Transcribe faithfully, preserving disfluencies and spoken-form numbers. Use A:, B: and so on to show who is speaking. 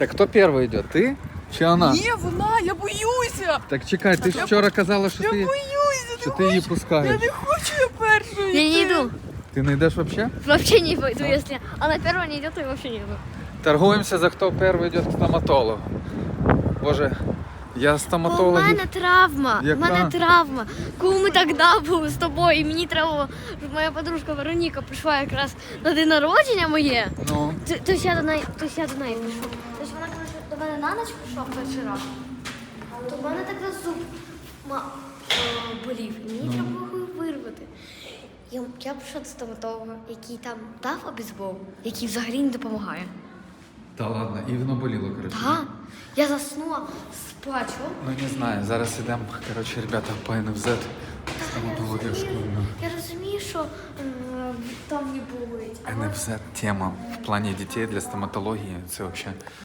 A: Так хто перший йде? Ти чи вона?
B: Ні, вона, я боюся.
A: Так чекай, ти ж вчора казала, що
B: Я
A: ти,
B: боюся.
A: що
B: не
A: ти її
B: хочу.
A: пускаєш.
B: Я не хочу я першою.
C: Я не
B: йти.
C: иду.
A: Ти не йдеш взагалі?
C: Вообще не пойду, если она первая не идет, то я вообще не иду.
A: Торгуємося за хто перший йде к стоматологу. Боже, я
C: У
A: стоматолог.
C: мене травма, у
A: Яка?
C: мене травма. Коли ми тоді були з тобою, і мені треба було, щоб моя подружка Вероніка прийшла якраз на день народження моє,
A: Ну,
C: то, то я до неї, то я до неї прийшла. Тобто вона, коли до мене на ніч прийшла в перший раз, то в мене тоді зуб ма, е, болів, і мені треба було його вирвати. Я, я прийшла до стоматолога, який там дав обізбол, який взагалі не допомагає.
A: та ладно, і воно боліло, коротше.
C: Так, я заснула з плачу.
A: Ну не знаю, зараз ідемо, коротше, ребята, по ен еф зет. Стоматологія школьна.
C: Я розумію, що е, там не болить.
A: ен еф зет тема в плані дітей для стоматології, це взагалі